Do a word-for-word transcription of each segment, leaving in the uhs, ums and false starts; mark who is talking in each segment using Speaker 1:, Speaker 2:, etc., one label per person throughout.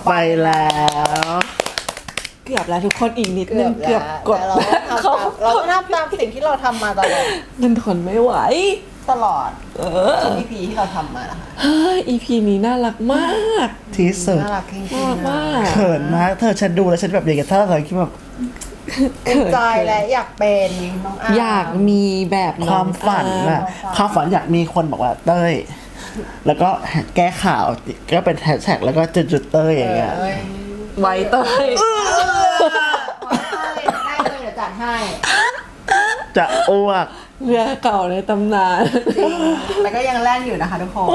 Speaker 1: ไปแล้ว
Speaker 2: เกือบแล้วทุกคนอีกนิดนึงเกือบกด
Speaker 3: เขาเราก็ทำตามสิ่งที่เราทำมาตลอด
Speaker 2: มันทนไม่ไหว
Speaker 3: ตลอด
Speaker 2: เออ
Speaker 3: อี พี ที่เราทำมา
Speaker 2: เฮ้ย อี พี นี้น่ารักมาก
Speaker 1: ที่สุด
Speaker 3: น่ารักจริง
Speaker 2: น่ารักมาก
Speaker 1: เขินมากเธอฉันดูแล้วฉันแบบอยากจะท่าเลยคิดแบบ
Speaker 3: เขินใจและอยากเป็นน้องอา
Speaker 2: อยากมีแบบ
Speaker 1: ความฝันอะความฝันอยากมีคนบอกว่าเต้ยแล้วก็แก้ข่าวก็เป็นแฮชแท็กแล้วก็จุดๆเต้ยอย่างเงี้ย
Speaker 2: ไว้เต้ย
Speaker 3: ได้เลยเดี๋ยวจัดให้
Speaker 1: จะอ้วก
Speaker 2: เรือเก่าในตำนาน
Speaker 3: จริงแล้วก็ยังแล่นอยู่นะคะทุกคน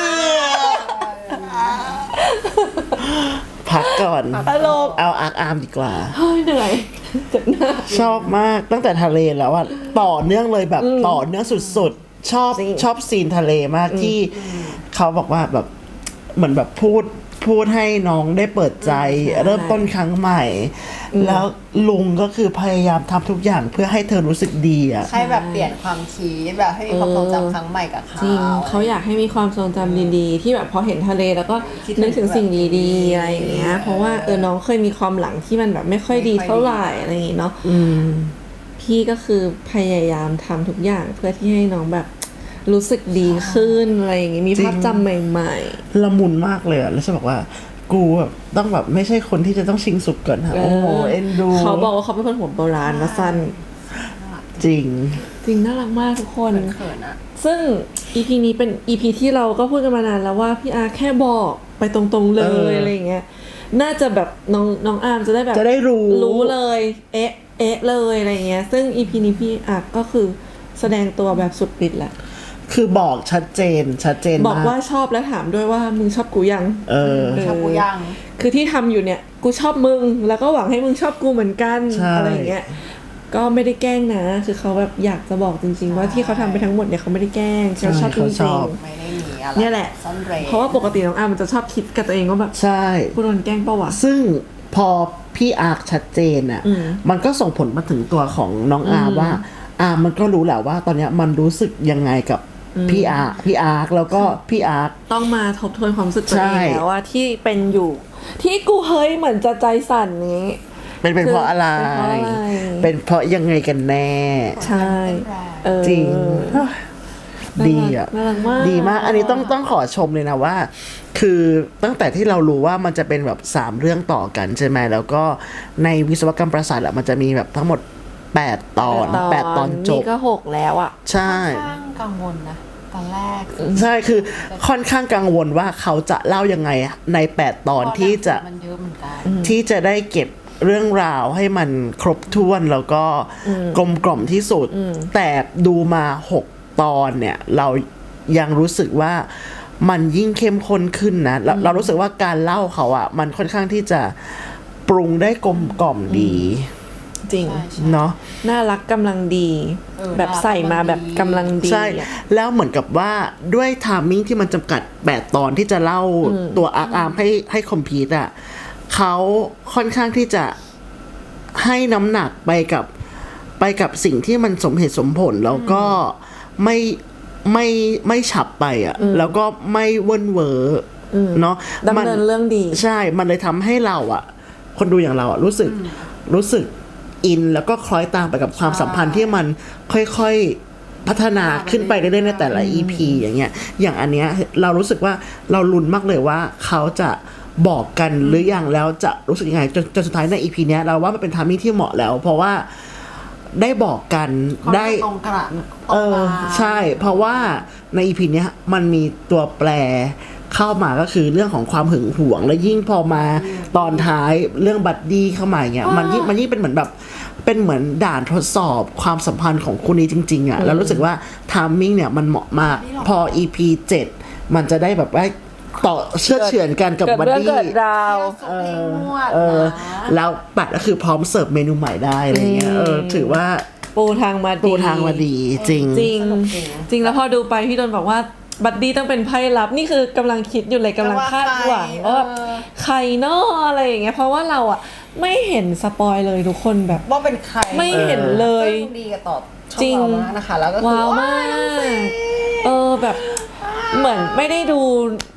Speaker 1: พักก่อน
Speaker 2: ตลก
Speaker 1: เอาอาร์คอาร์มดีกว่า
Speaker 2: เฮ้ยเหนื่อยจับหน้า
Speaker 1: ชอบมากตั้งแต่ทะเลแล้วอะต่อเนื่องเลยแบบต่อเนื่องสุดๆชอบชอบซีนทะเลมากที่เขาบอกว่าแบบเหมือนแบบพูดพูดให้น้องได้เปิดใจเริ่มต้นครั้งใหม่แล้วลุงก็คือพยายามทำทุกอย่างเพื่อให้เธอรู้สึกดีอะ
Speaker 3: ให้แบบเปลี่ยนความคิดแบบให้มีความทรงจำครั้งใหม่กับเขา
Speaker 2: จริงเขาอยากให้มีความทรงจำดีๆที่แบบพอเห็นทะเลแล้วก็นึกถึงสิ่งดีๆอะไรอย่างเงี้ยเพราะว่าเออน้องเคยมีความหลังที่มันแบบไม่ค่อยดีเท่าไหร่อะไรอย่างเงี้ยเนาะพี่ก็คือพยายามทำทุกอย่างเพื่อที่ให้น้องแบบรู้สึกดีขึ้นอะไรอย่างงี้มีภาพจำใหม่
Speaker 1: ๆละมุนมากเลยอะแล้วฉันบอกว่ากูแบบต้องแบบไม่ใช่คนที่จะต้องชิงสุกก่อนค่ะโอ้โหเอ็นดู
Speaker 2: เขาบอกว่าเขาเป็นคนหัวโบราณมาสั้น
Speaker 1: จริง
Speaker 2: จริงน่ารักมากทุกคนซึ่ง อี พี นี้เป็น อี พี ที่เราก็พูดกันมานานแล้วว่าพี่อาร์แค่บอกไปตรงๆเลยอะไรอย่างเงี้ยน่าจะแบบน้องน้องอาร์มจะได้แบบ
Speaker 1: จะได้รู้
Speaker 2: รู้เลยเอ๊ะเอ๊ะเลยอะไรเงี้ยซึ่ง อี พี นี้พี่อาร์ก็คือแสดงตัวแบบสุดฤทธิ์แหละ
Speaker 1: คือบอกชัดเจนชัดเจน
Speaker 2: บอกว่าชอบและถามด้วยว่ามึงชอบกูยัง
Speaker 1: เออ
Speaker 3: ชอบกูยัง
Speaker 2: คือที่ทำอยู่เนี่ยกูชอบมึงแล้วก็หวังให้มึงชอบกูเหมือนกันอะไรอย่างเงี้ยก็ไม่ได้แกล้งนะคือเขาแบบอยากจะบอกจริงๆว่าที่เขาทำไปทั้งหมดเนี่ยเขาไม่ได้แกล้งเขาชอบจริง
Speaker 3: ๆไม่ได้มีอะไร
Speaker 2: เนี่ยแหละเพราะว่าปกติน้องอาร์มันจะชอบคิดกับตัวเองว่าแบบ
Speaker 1: ใช่
Speaker 2: กูโดนแกล้งเปล่าวะ
Speaker 1: ซึ่งพอพี่อาร์ชัดเจนอ่ะมันก็ส่งผลมาถึงตัวของน้องอาร์ว่าอาร์มันก็รู้แหละว่าตอนเนี้ยมันรู้สึกยังไงกับพี่อาร์พี่อาร์แล้วก็พี่อาร์
Speaker 2: ต้องมาทบทวนความรู้สึกตัวเองแล้วว่าที่เป็นอยู่ที่กูเฮ้ยเหมือนจะใจสั่นนี้
Speaker 1: เป็นเป็นเพราะอะไรเป็นเพราะยังไงกันแน่
Speaker 2: ใช่
Speaker 1: จริงดีอ่ะดีมากอันนี้ต้องต้องขอชมเลยนะว่าคือตั้งแต่ที่เรารู้ว่ามันจะเป็นแบบสามเรื่องต่อกันใช่ไหมแล้วก็ในวิศวกรรมประสาทอะมันจะมีแบบทั้งหมดแปดตอนแปดตอนจบ
Speaker 2: นี่ก็หกแล้วอ่ะ
Speaker 1: ใช่
Speaker 3: ค่อนข้างกังวลนะตอนแรก
Speaker 1: ใช่คือค่อนข้างกังวลว่าเขาจะเล่ายังไงในแปดตอนที่จะที่จะได้เก็บเรื่องราวให้มันครบถ้วนแล้วก็กลมกล่อมที่สุดแต่ดูมาหกตอนเนี่ยเรายังรู้สึกว่ามันยิ่งเข้มข้นขึ้นนะเราเรารู้สึกว่าการเล่าเขาอ่ะมันค่อนข้างที่จะปรุงได้กลมกล่อมดี
Speaker 2: จริง
Speaker 1: เนาะ
Speaker 2: น่ารักกำลังดีแบบใส่มาแบบกำลังดี
Speaker 1: ใช่แล้วเหมือนกับว่าด้วยไทมิ่งที่มันจำกัดแปดตอนที่จะเล่าตัวอาร์อาร์มให้ให้คอมพลีทอ่ะเขาค่อนข้างที่จะให้น้ำหนักไปกับไปกับสิ่งที่มันสมเหตุสมผลแล้วก็ไม่ไม่ไม่ฉับไปอ่ะแล้วก็ไม่เว่นเวอร์เนาะ
Speaker 2: ดำเนินเรื่องดี
Speaker 1: ใช่มันเลยทำให้เราอ่ะคนดูอย่างเราอ่ะรู้สึกรู้สึกอินแล้วก็คล้อยตามไปกับความสัมพันธ์ที่มันค่อยๆพัฒนาขึ้นไปเรื่อยๆในแต่ละ อี พี อย่างเงี้ยอย่างอันเนี้ยเรารู้สึกว่าเราลุ้นมากเลยว่าเขาจะบอกกันหรือยังแล้วจะรู้สึกยังไงจนจนสุดท้ายใน อี พี เนี้ยเราว่ามันเป็นไทมิ่งที่เหมาะแล้วเพราะว่าได้บอกกันได้
Speaker 3: ตรงกระ
Speaker 1: เออใช่เพราะว่าใน อี พี เนี้ยมันมีตัวแปรเข้ามาก็คือเรื่องของความหึงหวงและยิ่งพอมาตอนท้ายเรื่องบัดดี้เข้ามาเงี้ยมันยิ่งมันยิ่งเป็นเหมือนแบบเป็นเหมือนด่านทดสอบความสัมพันธ์ของคู่นี้จริงๆอ่ะแล้วรู้สึกว่าไทมิ่งเนี่ยมันเหมาะมากพอ อี พี เจ็ดมันจะได้แบบว่าต่อเชื่อเฉือนกันกับบัดดี้
Speaker 3: เออ
Speaker 1: เออแล้วปัดก็คือพร้อมเสิร์ฟเมนูใหม่ได้อะไรเงี้ยเออถือว่า
Speaker 2: ปูทางมาดี
Speaker 1: ปูทางมาดีจริง
Speaker 2: จริงจริงแล้วพอดูไปพี่โดนบอกว่าบัดดี้ต้องเป็นไพ่ลับนี่คือกำลังคิดอยู่เลยกำลังคาดหวังว่าแบบใครเนาะอะไรอย่างเงี้ยเพราะว่าเราอ่ะไม่เห็นสปอยเลยทุกคนแบบ
Speaker 3: ว่าเป็นใคร
Speaker 2: ไม่เห็นเลย
Speaker 3: ดีกับต่อจริงนะคะแล้วก็
Speaker 2: ว้าวมากเออแบบเหมือนไม่ได้ดู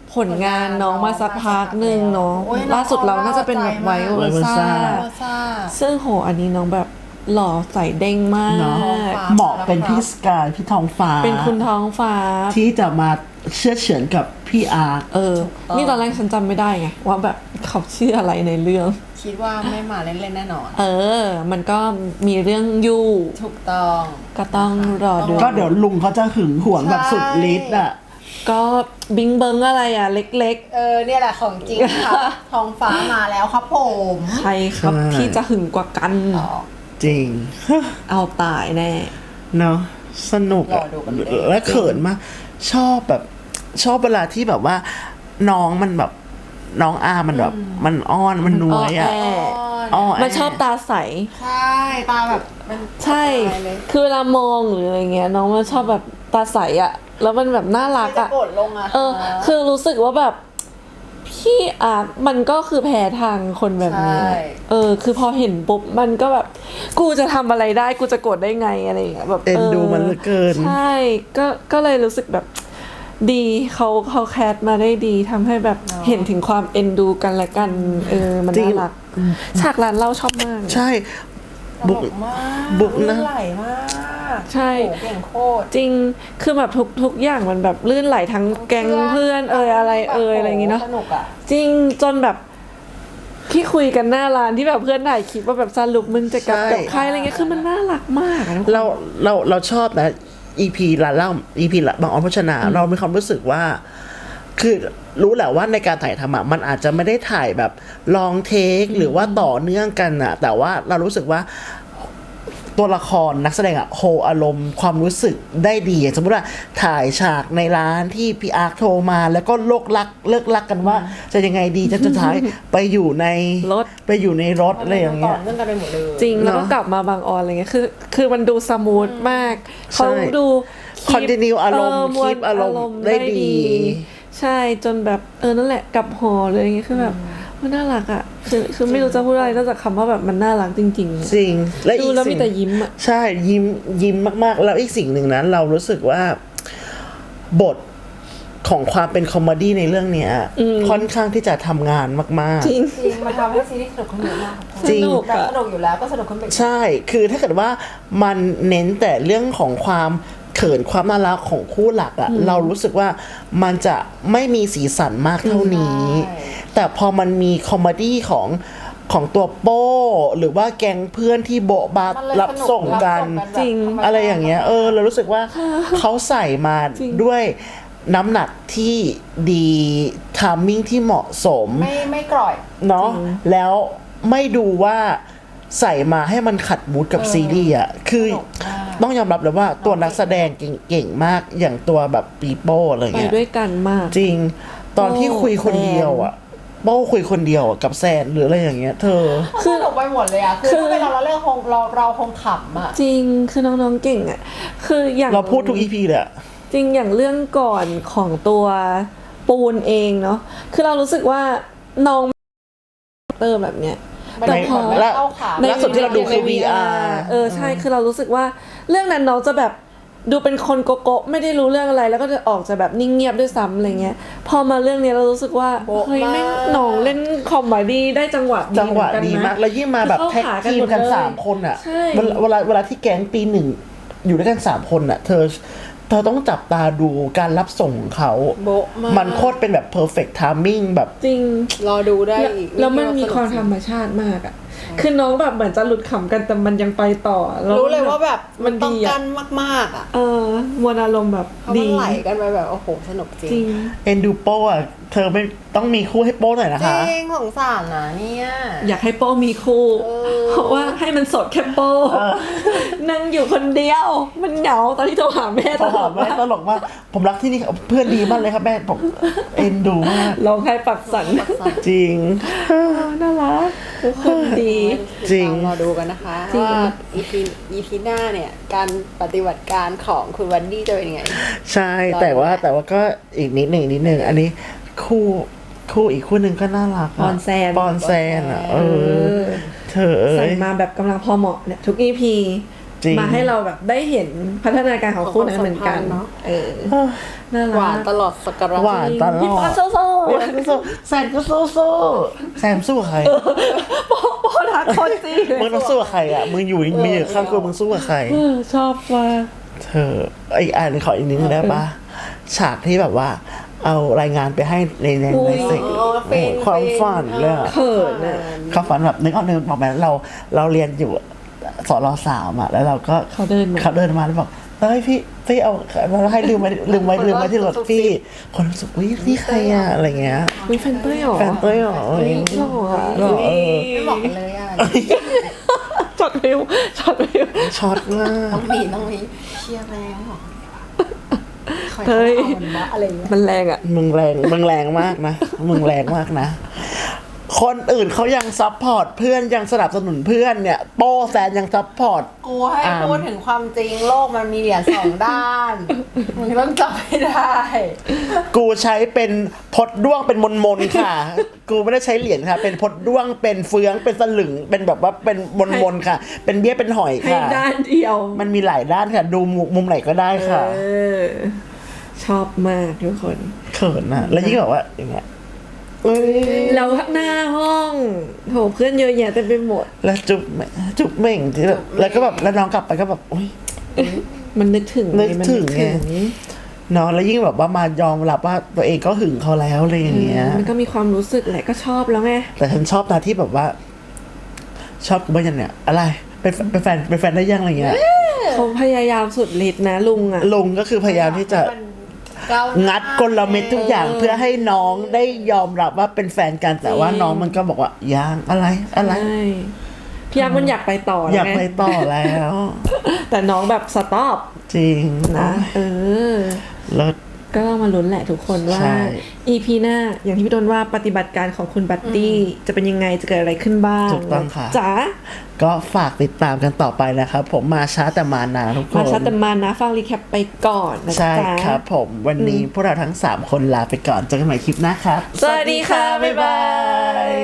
Speaker 2: ผลงานน้องมาสักพักหนึ่งเนาะล่าสุดเราน่าจะเป็นแบบไวโอซ่า
Speaker 3: โรซ่า
Speaker 2: ซึ่งโหอันนี้น้องแบบหล่อใส่เด้งมาก
Speaker 1: เนาะ
Speaker 3: ฟ้า
Speaker 1: เหมาะเป็นพี่สกายพี่ทองฟ้า
Speaker 2: เป็นคุณท้องฟ้า
Speaker 1: ที่จะมาเชื่อเฉือนกับพี่อาร์ค
Speaker 2: เออ นี่ตอนแรกฉันจำไม่ได้ไงว่าแบบเขาชื่ออะไรในเรื่อง
Speaker 3: คิดว่าไม่มาเล่นๆแน่นอน
Speaker 2: เออ มันก็มีเรื่องยู่
Speaker 3: ถูกต้อง
Speaker 2: ก็ต้องรอดู
Speaker 1: ก็เดี๋ยวลุงเขาจะหึงหวงแบบสุดฤทธิ์อ่ะ
Speaker 2: ก็บิงเบิงอะไรอ่ะ เล็ก
Speaker 3: เออเนี่ยแหละของจริงค่ะ ทองฟ้ามาแล้วครับผม
Speaker 2: ๆ ใครครับ
Speaker 1: ใช่
Speaker 2: ที่จะหึงกว่ากัน
Speaker 1: จริง
Speaker 2: เอาตายแน่
Speaker 1: เนาะสนุก
Speaker 3: ร
Speaker 1: อะ
Speaker 3: อดูกันเลย
Speaker 1: และเขินมากชอบแบบชอบเวลาที่แบบว่า น้องมันแบบน้องอามันแบบ มันอ้อนมันน้วยอ่ะ
Speaker 2: อ้อแอ
Speaker 1: อ้อแ
Speaker 2: มันชอบตาใส
Speaker 3: ใช่ตาแบบมัน
Speaker 2: ใช่
Speaker 3: ตายเลย
Speaker 2: คือเวลามองหรืออะไรเงี้ยน้องมันชอบแบบตาใสอะแล้วมันแบบน่ารัก
Speaker 3: จะ
Speaker 2: อะ
Speaker 3: กดลงอะ
Speaker 2: เออ คือรู้สึกว่าแบบพี่อาร์ตมันก็คือแพ้ทางคนแบบนี้
Speaker 3: ใช่
Speaker 2: เออ คือพอเห็นปุ๊บมันก็แบบ กูจะทำอะไรได้กูจะกดได้ไงอะไรอย่างเงี้ยแบบ
Speaker 1: เอ็นดูมันเหลือเกิน
Speaker 2: ใช่ ก็ก็เลยรู้สึกแบบดีเขาเขาแคสมาได้ดีทำให้แบบเห็นถึงความเอ็นดูกันและกัน เออ มัน
Speaker 1: จริง
Speaker 2: น่ารักฉากร้านเหล่าชอบมาก
Speaker 1: ใช่
Speaker 3: บุ
Speaker 1: บุ
Speaker 3: ก
Speaker 1: ก
Speaker 3: มาก
Speaker 1: บุกนะ
Speaker 3: ลื่ไหลมาก
Speaker 2: ใช่
Speaker 3: โหเก่งโคตร
Speaker 2: จริง คือแบบทุกทุกอย่างมันแบบลื่นไหลทั้งแก๊งเพื่อนเอ่ยอะไรเอ่ยอะไรอย่างงี้เนาะ
Speaker 3: สนุกอะ
Speaker 2: จริงจนแบบที่คุยกันหน้าร้านที่แบบเพื่อนถ่ายคลิปว่าแบบสรุปมึงจะกลับ
Speaker 1: ใช่
Speaker 2: กับใครอะไรเงี้ยคือมันน่ารักมากอะทุกคน
Speaker 1: เราเราเราชอบนะ อี พี ละเล่า อี พี ละบางออนพัชนา เรามีความรู้สึกว่า คือรู้แหละว่าในการถ่ายทำอะมันอาจจะไม่ได้ถ่ายแบบลองเทคหรือว่าต่อเนื่องกันอะแต่ว่าเรารู้สึกว่า ตัวละครนักแสดงอะโฮอารมณ์ความรู้สึกได้ดีอย่างสมมติว่าถ่ายฉากในร้านที่พี่อาร์คโทรมาแล้วก็โลกลักเลิกลักกันว่า จะยังไงดีจะสุดท้าย ไปอยู่ใน
Speaker 2: รถ
Speaker 1: ไปอยู่ในรถอะไรอย่างเงี้ย
Speaker 3: ต่อเนื่องกันไปหมดเลย
Speaker 2: จริงแล้วก็
Speaker 1: เนอะ
Speaker 2: กลับมาบางออนอะไรเงี้ยคือ คือมันดูสมูทมากเขาดู
Speaker 1: Continue อารมณ์
Speaker 2: เมวล
Speaker 1: keep อารมณ์ได้ดี
Speaker 2: ใช่จนแบบเออนั่นแหละกลับหอเลยอย่างเงี้ยคือแบบมันน่ารักอ่ะคือคือไม่รู้จะพูดอะไรนอกจากคำว่าแบบมันน่ารักจริง
Speaker 1: จริงและ
Speaker 2: ๆดู
Speaker 1: อีก
Speaker 2: แล้วมี
Speaker 1: สิ่ง
Speaker 2: แต่ยิ้มอ่ะ
Speaker 1: ใช่ยิ้มยิ้มมากๆ แล้วอีกสิ่งหนึ่งนั้นเรารู้สึกว่าบทของความเป็นคอมเมดี้ในเรื่องเนี้ยค่อนข้างที่จะทำงานมาก
Speaker 2: จริง
Speaker 3: จริงมันทำให้ซีรีส์สนุกขึ้นเยอะมาก
Speaker 1: จริง
Speaker 2: สนุก
Speaker 3: แบบ
Speaker 2: อะ
Speaker 3: สนุกอยู่แล้วก็สนุกขึ้นไปอีก
Speaker 1: ๆ ใช่ คือถ้าเกิดว่ามันเน้นแต่เรื่องของความเขินความน่ารักของคู่หลักอะเรารู้สึกว่ามันจะไม่มีสีสันมากเท่านี้
Speaker 3: ใช่
Speaker 1: แต่พอมันมีคอมเมดี้ของของตัวโป้ หรือว่าแก๊งเพื่อนที่โบะบา
Speaker 3: มันเลย
Speaker 1: รับส่งกัน
Speaker 3: รับ
Speaker 2: จริง
Speaker 3: แบบธมชาติ
Speaker 1: อะไรอย่างเงี้ยเออเรารู้สึกว่า เขาใส่มา
Speaker 2: จริง
Speaker 1: ด้วยน้ำหนักที่ดีทามมิ่งที่เหมาะสม
Speaker 3: ไม่ไม่กร่อย
Speaker 1: เนาะแล้วไม่ดูว่าใส่มาให้มันขัดมูดกับซีรีส์อ่ะคือ
Speaker 3: สนุกมาก
Speaker 1: ต้องยอมรับเลยว่าตัวนักแสดงเก่งๆมากอย่างตัวแบบปีโป้อะไร
Speaker 2: ไป
Speaker 1: เงี้ย
Speaker 2: ด้วยกันมาก
Speaker 1: จริง ตอนที่
Speaker 2: โป้
Speaker 1: คุยคนเดียวอ่ะโป้คุยคนเดียวอะกับแซนหรืออะไรอย่างเงี้ย เธอ
Speaker 3: คือสนุกไปหมดเลยอะคือ
Speaker 2: คือ
Speaker 3: ถ้าเป็นเราเราเรื่องคงเราเราคงขำอะ
Speaker 2: จริงคือน้องๆเก่งอ่ะคืออย่าง
Speaker 1: เราพูดทุกอีพีเลยอะ
Speaker 2: จริงอย่างเรื่องก่อนของตัวปูนเองเนาะคือเรารู้สึกว่าน้องเตอร์แบบเนี้ย
Speaker 3: มัน
Speaker 2: แต่
Speaker 3: ไม่
Speaker 2: พอ
Speaker 3: ไม่เข้าขา
Speaker 2: ใน
Speaker 1: ล่าสุดที่เราดูคือ วี อาร์
Speaker 2: เออใช่คือเรารู้สึกว่าเรื่องนั้นน้องจะแบบดูเป็นคนโกโก้ไม่ได้รู้เรื่องอะไร แล้วก็จะออกจะแบบนิ่งเงียบด้วยซ้ำอะไรเงี้ยพอมาเรื่องนี้เรารู้สึกว่าเฮ้ยไม่น้องเล่นคอมเมดี้ได้จังหวะ
Speaker 1: จังหวะ
Speaker 2: เอนน
Speaker 1: ดี
Speaker 2: น
Speaker 1: มาก แล้วยิ่งมาแบบ
Speaker 2: คือ
Speaker 1: แท็ก
Speaker 2: เข้าขากัน
Speaker 1: ทีมกัน
Speaker 2: หมดเลย
Speaker 1: สามคนอ่ะ
Speaker 2: ใช่
Speaker 1: เวลาเวลาเวลาที่แก๊งปีหนึ่งอยู่ด้วยกันสามคนอ่ะ เธอเธอต้องจับตาดูการรับส่งของเขา
Speaker 3: โบ๊ะมาก
Speaker 1: มันโคตรเป็นแบบ perfect timing แบบ
Speaker 2: จริง
Speaker 3: รอดูได้อีก
Speaker 2: แล้วมันมีความธรรมชาติมากอ่ะ คือน้องแบบเหมือนจะหลุดขำกันแต่มันยังไปต่อแว
Speaker 3: รู้เลยว่าแบบ
Speaker 2: มัน
Speaker 3: ต้อง
Speaker 2: ดี
Speaker 3: กั
Speaker 2: อ่ะ
Speaker 3: นมากๆอะ
Speaker 2: เออมวลอารมณ์แบบ
Speaker 3: เพราะมั
Speaker 2: ดี
Speaker 3: นไหลกันไปแบบโอ้โหสนุกจริง
Speaker 2: จริง
Speaker 1: เอ็นดูโป้อะเธอไม่ต้องมีคู่ให้โป้หน่อยนะ
Speaker 3: จ
Speaker 1: คะ
Speaker 3: ริงสงสารนะเนี่ย
Speaker 2: อยากให้โป้มีคู่ เพราะว่าให้มันสดแค่โป้นั่งอยู่คนเดียว มันเหงาตอนที่โทรหาแม่
Speaker 1: พอหอมแม่ตลกมากผมรักที่นี่เพื่อนดีมากเลยครับแม่ผมเอ็นดูมาก
Speaker 2: ร้องไห้ปักสัน
Speaker 1: จริง
Speaker 2: น่ารักทุกคนดี
Speaker 1: จริง
Speaker 3: รอดูกันนะคะ
Speaker 2: จริง
Speaker 3: ว่า อี พี อี พี หน้าเนี่ยการปฏิบัติการของคุณวันดี้จะเป็นยังไง
Speaker 1: ใช่แต่ว่าแต่ว่าก็อีกนิดหนึ่งนิดหนึ่งอันนี้คู่คู่อีกคู่หนึ่งก็น่ารักะ
Speaker 2: ปอนแซน
Speaker 1: ปอนแซนอ่ะ เอ
Speaker 2: เอ
Speaker 1: อ
Speaker 2: อ
Speaker 1: เธอเอ้
Speaker 2: ใส่
Speaker 1: ย
Speaker 2: มาแบบกำลังพอเหมาะเนี่ยทุกอีพี
Speaker 1: จริง
Speaker 2: มาให้เราแบบได้เห็นพัฒนาการของคู่นั้นเหมือนกัน
Speaker 3: ของความสัมพันธ์เนอะ
Speaker 2: เออน่ารัก
Speaker 3: หวานตลอดสักการะ
Speaker 1: หวานตล
Speaker 2: พี่
Speaker 1: อ
Speaker 2: ปอ
Speaker 1: ด
Speaker 2: โซ่โซ่
Speaker 1: พี่ปอนสู้ๆแซมก็สู้ๆแซมสู้กับใคร
Speaker 2: ปอปอรักคนจริง
Speaker 1: มึงต้องสู้กับใครอ่ะมึงอยู่มึงอยู่ข้างกูมึงสู้กับใคร
Speaker 2: เออชอบมาก
Speaker 1: เธออีกอันหนึ่งขออีกนิดนึงได้ปะฉากที่แบบว่าเอารายงานไปให้ในในในเซ็ก
Speaker 3: อ๋อฟิน
Speaker 1: ความฝันเลยอะ
Speaker 2: เขินอ่ะ
Speaker 1: ความฝันแบบนึกเอานึกบอกแบบเราเราเรียนอยู่สอนรสามอ่ะแล้วเราก็
Speaker 2: เขาเดินมา
Speaker 1: เขาเดินมาแล้วบอกเฮ้ยพี่พี่เอาเราให้ลืมไว้ลืมไว้ลืมไว้ที่รถพี่ คนรู้สึกวิพี่ใครอ่ะอะไรเงี้ย
Speaker 2: มีแฟนเต้ยเหรอ
Speaker 1: แฟนเต้ยเหรอ
Speaker 2: เฮ้ยหล่ออะ
Speaker 1: หล่อเออ
Speaker 3: ไม่บอกกันเลยอ่ะ
Speaker 2: ช็อตวิวช็อตวิว
Speaker 1: ช็อตมาก
Speaker 3: ต้องมีต้องมีเชียร์แล้วเหรอคอย
Speaker 2: เฮ้ย
Speaker 3: เอามันวะอะไรอย่างเงี้ย
Speaker 2: มันแรงอ่ะ
Speaker 1: มึงแรงมึงแรงมากนะมึงแรงมากนะ คนอื่นเขายังซัพพอร์ตเพื่อนยังสนับสนุนเพื่อนเนี่ยโป้แซนยังซัพพอร์ต
Speaker 3: กูให้
Speaker 1: อ่า
Speaker 3: พูดถึงความจริงโลกมันมีเหรียญสองด้าน มึงต้องจับให้ได้
Speaker 1: กูใช้เป็นพดด้วงเป็นมนมนๆค่ะ กูไม่ได้ใช้เหรียญค่ะ เป็นพดด้วงเป็นเฟืองเป็นสลึงเป็นแบบว่าเป็นมนมนๆค่ะ เป็นเบี้ยเป็นหอย
Speaker 2: ให้
Speaker 1: ค่ะ
Speaker 2: ด้านเดียว
Speaker 1: มันมีหลายด้านค่ะ ดูมุมมุมไหนก็ได้ค่ะ
Speaker 2: เออ ชอบมากทุกคน
Speaker 1: เขินนะแล้วยิ่งแบบว่าอย่างเงี้ยเอ้ย
Speaker 2: แล้วหน้าห้องโหเพื่อนเยอะแยะเต็มไปหมด
Speaker 1: แล้วจุ๊บแม่จุ๊บเม่งที่แบบแล้วก็แบบแล้วน้องกลับไปก็แบบอุ้ย
Speaker 2: มันนึกถึง
Speaker 1: นึกถึง
Speaker 2: มั
Speaker 1: ไง เนาะแล้วยิ่งแบบว่ามายอมรับว่าตัวเองก็หึงเขาแล้วอะไรอย่างเงี้ย
Speaker 2: มันก็มีความรู้สึกแหละก็ชอบแล้วไง
Speaker 1: แต่ฉันชอบนะที่แบบว่า ชอบกูบ้างยังเนี่ย อะไรเป็นเป็นแฟนเป็นแฟนได้ยังอะไรเงี้ย
Speaker 2: เขาพยายามสุดฤทธิ์นะลุงอ่ะ
Speaker 1: ลุงก็คือพยายามที่จะ
Speaker 3: มันก้าวหน้า
Speaker 1: งัดกลเม็ดทุกอย่างเพื่อให้น้องได้ยอมรับว่าเป็นแฟนกันแต่ว่าน้องมันก็บอกว่ายังอะไรอะไร
Speaker 2: ใช่พี่ยักษ์มันอยากไปต่อ
Speaker 1: อยาก
Speaker 2: ไง
Speaker 1: ไปต่อแล้ว
Speaker 2: แต่น้องแบบสต็อป
Speaker 1: จริง
Speaker 2: นะ เออ
Speaker 1: แล้ว
Speaker 2: ก็ต้องมาลุ้นแหละทุกคนว่า
Speaker 1: ใช่
Speaker 2: อี พี หน้า อย่างที่พี่ต้นว่าปฏิบัติการของคุณบัตตี้จะเป็นยังไงจะเกิดอะไรขึ้นบ้าง
Speaker 1: ถูกต้องค่ะ
Speaker 2: จ๋า
Speaker 1: ก็ฝากติดตามกันต่อไปนะครับ ผมมาช้าแต่มานาทุกคน
Speaker 2: มาชัดแต่มานะฟังรีแคปไปก่อนนะ
Speaker 1: ใช่
Speaker 2: จ๊ะ
Speaker 1: ครับผมวันนี้พวกเราทั้งสามคนลาไปก่อนเจอกันใหม่คลิปหน้าครับ
Speaker 2: สวัสดีค่ะ บ๊ายบาย